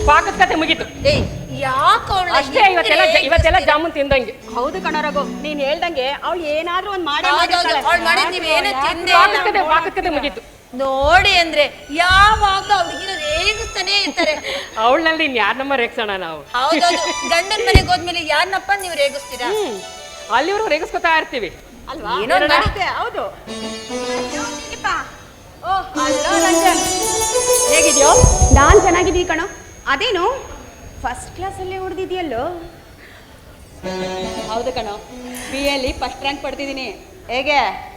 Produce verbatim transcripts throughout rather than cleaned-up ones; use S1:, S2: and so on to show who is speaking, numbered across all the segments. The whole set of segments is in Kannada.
S1: ಪಾಕದ ಕತೆ ಮುಗೀತು.
S2: ಯಾಕೆ
S1: ಅಷ್ಟೇ, ಇವತ್ತೆಲ್ಲ ಇವತ್ತೆಲ್ಲ ಜಾಮೂನ್ ತಿಂದಂಗೆ.
S3: ಹೌದು ಕಣ ರಘು, ನೀನ್ ಹೇಳ್ದಂಗೆ ಅವಳು ಏನಾದ್ರೂ ಒಂದ್ ಮಾಡಿ
S1: ಪಾಕದ ಕತೆ ಮುಗೀತು
S2: ನೋಡಿ. ಅಂದ್ರೆ ಯಾವಾಗ್ಲೂ ಅವ್ರಿಗಿರೋ ರೇಗಿಸ್ತಾನೆ ಇರ್ತಾರೆ.
S1: ಅವಳಲ್ಲಿ ಇನ್ ಯಾರನ್ನಮ್ಮ ರೇಗಿಸೋಣ ನಾವು?
S2: ಹೌದೌದು, ಗಂಡನ ಮನೆಗೆ ಹೋದ್ಮೇಲೆ ಯಾರನ್ನಪ್ಪ ನೀವು ರೇಗಿಸ್ತೀರಾ?
S1: ಅಲ್ಲಿವರೆಗೂ ರೇಗಿಸ್ಕೊತಾ ಇರ್ತೀವಿ
S3: ಅಲ್ವಾ? ಹೌದು.
S1: ಹೇಗಿದ್ಯೋ?
S3: ನಾನ್ ಚೆನ್ನಾಗಿದ್ದೀವಿ ಕಣೋ. ಅದೇನು ಫಸ್ಟ್ ಕ್ಲಾಸ್ ಅಲ್ಲೇ ಹೊಡೆದಿದ್ಯಲ್ಲೋ? ಹೌದು ಕಣೋ, ಬಿ ಎಲ್ಲಿ ಫಸ್ಟ್ ರ್ಯಾಂಕ್ ಪಡ್ತಿದ್ದೀನಿ. ಹೇಗೆ?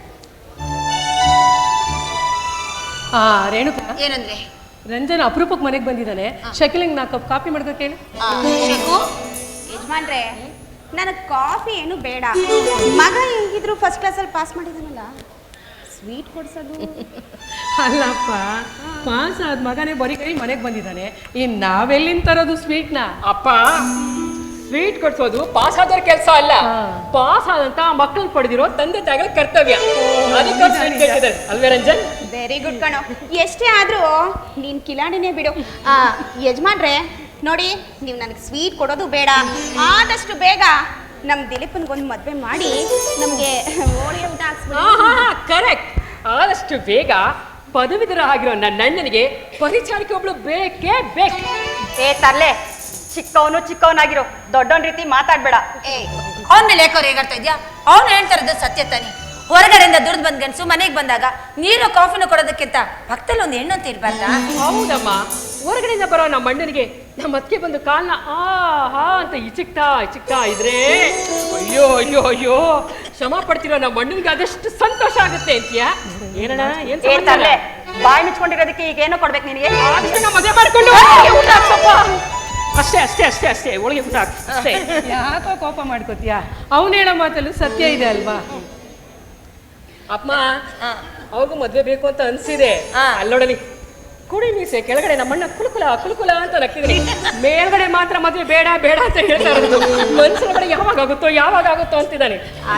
S4: ಆ ರೇಣುಕಾ,
S2: ಏನಂದ್ರೆ
S4: ರಂಜನ್ ಅಪರೂಪಕ್ಕೆ ಮನೆಗೆ ಬಂದಿದ್ದಾನೆ. ಶಕಿಲಿಂಗ್ ನಾ ಕಪ್ ಕಾಫಿ ಮಾಡ್ಕೋ ಕೇಳಿ.
S3: ಯಜಮಾನ್ರೆ, ನನಗೆ ಕಾಫಿ ಏನು ಬೇಡ. ಮಗ ಹೇಗಿದ್ರು ಫಸ್ಟ್ ಕ್ಲಾಸಲ್ಲಿ ಪಾಸ್ ಮಾಡಿದಾನಲ್ಲ, ಸ್ವೀಟ್ ಕೊಡ್ಸೋದು.
S4: ಅಲ್ಲಪ್ಪ, ಪಾಸ್ ಆದ ಮಗನೇ ಬರೀ ಕೈ ಮನೆಗೆ ಬಂದಿದ್ದಾನೆ. ಇನ್ನು ನಾವೆಲ್ಲಿಂದ ತರೋದು ಸ್ವೀಟ್ನ?
S1: ಅಪ್ಪ, ಸ್ವೀಟ್ ಕೊಡ್ಸೋದು ಪಾಸ್ ಆದವ್ರ ಕೆಲಸ ಅಲ್ಲ, ಪಾಸ್ ಆದಂತ ಮಕ್ಕಳು ಪಡೆದಿರೋ ತಂದೆ ತಾಯಿಗಳ ಕರ್ತವ್ಯ. ಅಲ್ವೇ ರಂಜನ್?
S3: ವೆರಿ ಗುಡ್ ಕಣೋ. ಎಷ್ಟೇ ಆದ್ರೂ ನೀನ್ ಕಿಲಾಡಿನೇ ಬಿಡು. ಆ ಯಜಮಾನ್ರೆ ನೋಡಿ, ನೀವು ನನಗೆ ಸ್ವೀಟ್ ಕೊಡೋದು ಬೇಡ. ಆದಷ್ಟು ಬೇಗ ನಮ್ ದಿಲೀಪನ್ಗೊಂದು ಮದ್ವೆ ಮಾಡಿ ನಮ್ಗೆ ಹೋಳಿಗೆ ಊಟ ಹಾಕ್ಸ್ಬಿಡಿ.
S1: ಕರೆಕ್ಟ್. ಆದಷ್ಟು ಬೇಗ ಪದವೀಧರ ಆಗಿರೋ ನನ್ನ ಅಣ್ಣನಿಗೆ ಪರಿಚಾರಿಕೆ ಒಬ್ಳು ಬೇಕೇ ಬೇಕು.
S3: ಏ ತರ್ಲೆ, ಚಿಕ್ಕವನು ಚಿಕ್ಕವನಾಗಿರೋ ದೊಡ್ಡವನ್ ರೀತಿ ಮಾತಾಡ್ಬೇಡ.
S2: ಏ, ಅವನ ಮೇಲೆ ಯಾಕೋ ರೇಗಾಡ್ತಾ ಇದ್ಯಾ? ಅವ್ನು ಹೇಳ್ತಾರದು ಸತ್ಯ ತಾನೆ. ಹೊರಗಡೆಯಿಂದ ದುಡ್ದು ಬಂದ್ ಗಂಡಸು ಮನೆಗೆ ಬಂದಾಗ ನೀರು ಕಾಫಿನ ಕೊಡೋದಕ್ಕಿಂತ ಪಕ್ಕದಲ್ಲಿ ಒಂದು ಹೆಣ್ಣು ಅಂತ ಇರ್ಬಾರ್ದಾ?
S1: ಹೌದಮ್ಮ, ಹೊರಗಡೆಯಿಂದ ಬರೋ ನಮ್ಮ ಅಣ್ಣನಿಗೆ ನಮ್ಮ ಅತ್ತಿಗೆ ಬಂದು ಕಾಲ್ನ ಆ ಹಾ ಅಂತ ಇಚಿಕ್ತಾ ಇಚಿಕ್ತಾ ಇದ್ರೆ ಅಯ್ಯೋ ಅಯ್ಯೋ ಅಯ್ಯೋ ಶ್ರಮ ಪಡ್ತಿರೋ ನಮ್ಮ ಅಣ್ಣನಿಗೆ ಅದೆಷ್ಟು ಸಂತೋಷ ಆಗುತ್ತೆ ಅಂತೀಯಾ? ಏನಣ್ಣ, ಏನ್
S3: ತರ್ಲೆ, ಬಾಯಿ ಮುಚ್ಕೊಂಡಿರೋದಕ್ಕೆ ಈಗ ಏನೋ ಕೊಡ್ಬೇಕು ನಿನಗೆ?
S1: ಮದುವೆ ಮಾಡ್ಕೊಂಡು ಊಟ ಹಾಕ್ಸಪ್ಪ. ಅಷ್ಟೇ ಅಷ್ಟೇ ಅಷ್ಟೇ ಅಷ್ಟೇ ಒಳಗೆ ಊಟ ಹಾಕಿ ಅಷ್ಟೇ.
S4: ಯಾಕೋ ಕೋಪ ಮಾಡ್ಕೋತೀಯಾ? ಅವನು ಹೇಳೋ ಮಾತಲ್ಲೂ ಸತ್ಯ ಇದೆ ಅಲ್ವಾ?
S1: ಅಮ್ಮ, ಅವಾಗೂ ಮದ್ವೆ ಬೇಕು ಅಂತ ಅನ್ಸಿದೆ. ಅಲ್ಲೋಡಲಿ ಕುಡಿ ಮೀಸೆ ಕೆಳಗಡೆ ನಮ್ಮಣ್ಣ ಕುಲುಕುಲ ಕುಲುಕುಲ ಅಂತ ನಕ್ಕಿದ್ರಿ, ಮೇಲ್ಗಡೆ ಮಾತ್ರ ಮದ್ವೆ ಬೇಡ ಬೇಡ ಅಂತ ಹೇಳ್ತಾ ಇರೋದು. ಮನ್ಸೊಳಗಡೆ ಯಾವಾಗ ಆಗುತ್ತೋ ಯಾವಾಗ ಆಗುತ್ತೋ ಅಂತಿದ್ದಾನೆ.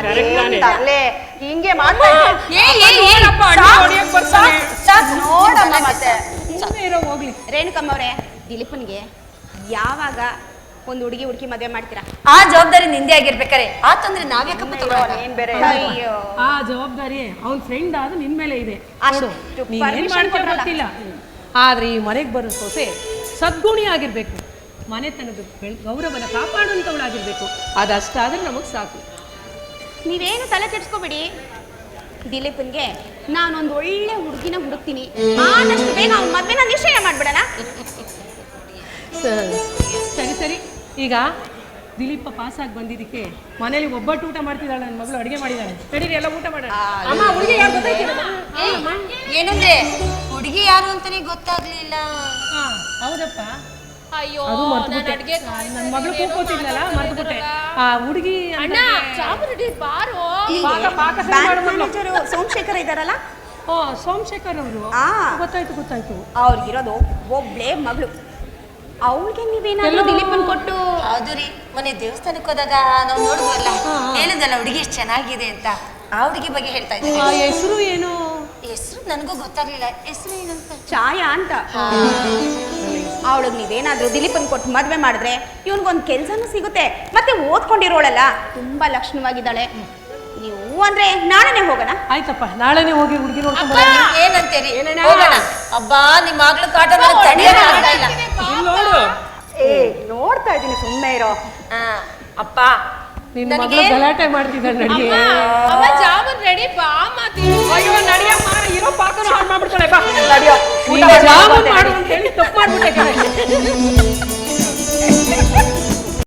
S3: ಹಿಂಗೆ ಮಾಡ್ತಾ
S4: ಹೋಗ್ಲಿ.
S3: ರೇಣುಕಮ್ಮವ್ರೆ, ದಿಲೀಪನ್ಗೆ ಯಾವಾಗ ಒಂದು ಹುಡುಗಿ ಹುಡುಕಿ ಮದುವೆ ಮಾಡ್ತೀರಾ?
S2: ಆ ಜವಾಬ್ದಾರಿ ನಿಂದೆ ಆಗಿರ್ಬೇಕಾರೆ ಆ ತೊಂದ್ರೆ ನಾವ್ಯಾಕಪ್ಪ ತಗೊಳ್ಳೋಣ?
S3: ಏನ್ ಬೇರೆ
S4: ಆ ಜವಾಬ್ದಾರಿ ಅವ್ನ ಫ್ರೆಂಡ್ ಆದ ನಿನ್ ಮೇಲೆ ಇದೆ.
S3: ಅಷ್ಟು
S4: ನೀನ್ ಮಾಡ್ಕೊ ಗೊತ್ತಿಲ್ಲ, ಆದ್ರೆ ಈ ಮನೆಗೆ ಬರೋ ಸೊಸೆ ಸದ್ಗುಣಿ ಆಗಿರ್ಬೇಕು, ಮನೆತನದ ಗೌರವನ ಕಾಪಾಡುವಂಥವಳಾಗಿರ್ಬೇಕು. ಅದಷ್ಟಾದ್ರೆ ನಮಗ್ ಸಾಕು.
S3: ನೀವೇನು ತಲೆ ಕೆಡ್ಸ್ಕೊಬೇಡಿ. ದಿಲೀಪನ್ಗೆ ನಾನೊಂದು ಒಳ್ಳೆ ಹುಡುಗಿನ ಹುಡುಕ್ತೀನಿ. ಆದಷ್ಟು ಬೇಗ ಅವ್ನ ಮದ್ವೆನ ನಿಶ್ಚಯ ಮಾಡ್ಬಿಡಣ.
S4: ಸರಿ ಸರಿ. ಈಗ ದಿಲೀಪ ಪಾಸ್ ಆಗಿ ಬಂದಿದ್ದಕ್ಕೆ ಮನೇಲಿ ಒಬ್ಬಟ್ಟು ಊಟ ಮಾಡ್ತಿದ್ದಾಳೆ, ನನ್ನ ಮಗಳು ಅಡಿಗೆ ಮಾಡಿದ್ದಾಳೆ. ನಡೀರಿ ಎಲ್ಲ ಊಟ ಮಾಡೋಣ.
S1: ಅಮ್ಮ, ಹುಡುಗಿ ಯಾರು ಗೊತ್ತಾಯ್ತಿಲ್ಲ?
S2: ಏನಂದ್ರೆ ಹುಡುಗಿ ಯಾರು ಅಂತಾನೆ ಗೊತ್ತಾಗ್ಲಿಲ್ಲ.
S4: ಹೌದಪ್ಪ,
S2: ಅಯ್ಯೋ,
S4: ಅದು ಮರ್ತ್ಬಿಟ್ಟೆ. ನನ್ನ ಮಗಳು ಕೂಕೋತಿದ್ಲಲ್ಲ, ಮರ್ತ್ಬಿಟ್ಟೆ. ಆ ಹುಡುಗಿ
S2: ಅಣ್ಣ ಚಾಮುಂಡಿ ಬಾರೋ.
S3: ಸೋಮಶೇಖರ್ ಇದಾರಲ್ಲ,
S4: ಓ ಸೋಮಶೇಖರ್ ಅವರು. ಗೊತ್ತಾಯ್ತು ಗೊತ್ತಾಯ್ತು.
S3: ಅವ್ರಿಗಿರೋದು ಒಬ್ಳೇ ಮಗಳು. ಅವಳಿಗೆ ನೀವೇನಾದ್ರೂ ದಿಲೀಪನ್ ಕೊಟ್ಟು?
S2: ಹೌದು ರೀ, ಮೊನ್ನೆ ದೇವಸ್ಥಾನಕ್ಕೆ ಹೋದಾಗ ನಾವು ನೋಡಿದ್ವಲ್ಲ, ಹೇಳಿದಲ್ಲ ಹುಡುಗಿ ಎಷ್ಟು ಚೆನ್ನಾಗಿದೆ ಅಂತ. ಆ ಹುಡುಗಿ ಬಗ್ಗೆ ಹೇಳ್ತಾ ಇದ್ದೀನಿ.
S4: ಹೆಸರು ಏನು?
S2: ಹೆಸರು ನನಗೂ ಗೊತ್ತಾಗ್ಲಿಲ್ಲ. ಹೆಸರು ಏನಂತ?
S3: ಛಾಯಾ ಅಂತ. ಅವಳಿಗೆ ನೀವೇನಾದ್ರೂ ದಿಲೀಪನ್ ಕೊಟ್ಟು ಮದ್ವೆ ಮಾಡಿದ್ರೆ ಇವನ್ಗೊಂದು ಕೆಲ್ಸನೂ ಸಿಗುತ್ತೆ, ಮತ್ತೆ ಓದ್ಕೊಂಡಿರೋಳಲ್ಲ, ತುಂಬಾ ಲಕ್ಷಣವಾಗಿದ್ದಾಳೆ. ನೀವು ಅಂದ್ರೆ ನಾಳೆನೆ ಹೋಗೋಣ?
S4: ಆಯ್ತಪ್ಪ, ನಾಳೆನೆ ಹೋಗಿ ಹುಡುಗಿ ನೋಡ್ಕೊಂಡು
S2: ಏನಂತೀರಿ? ಅಬ್ಬಾ, ನಿಮ್ಮ ಮಗಳು ಕಾಟ ತಡೆಯೋಣ ಇಲ್ಲ.
S3: ಏ, ನೋಡ್ತಾ ಇದ್ದೀನಿ, ಸುಮ್ಮನೆ ಇರೋ.
S2: ಅಪ್ಪ,
S4: ನಿನ್ನ ಮಗಳು ಗಲಾಟೆ ಮಾಡ್ತಿದ್ದಾಳೆ. ನಡಿ.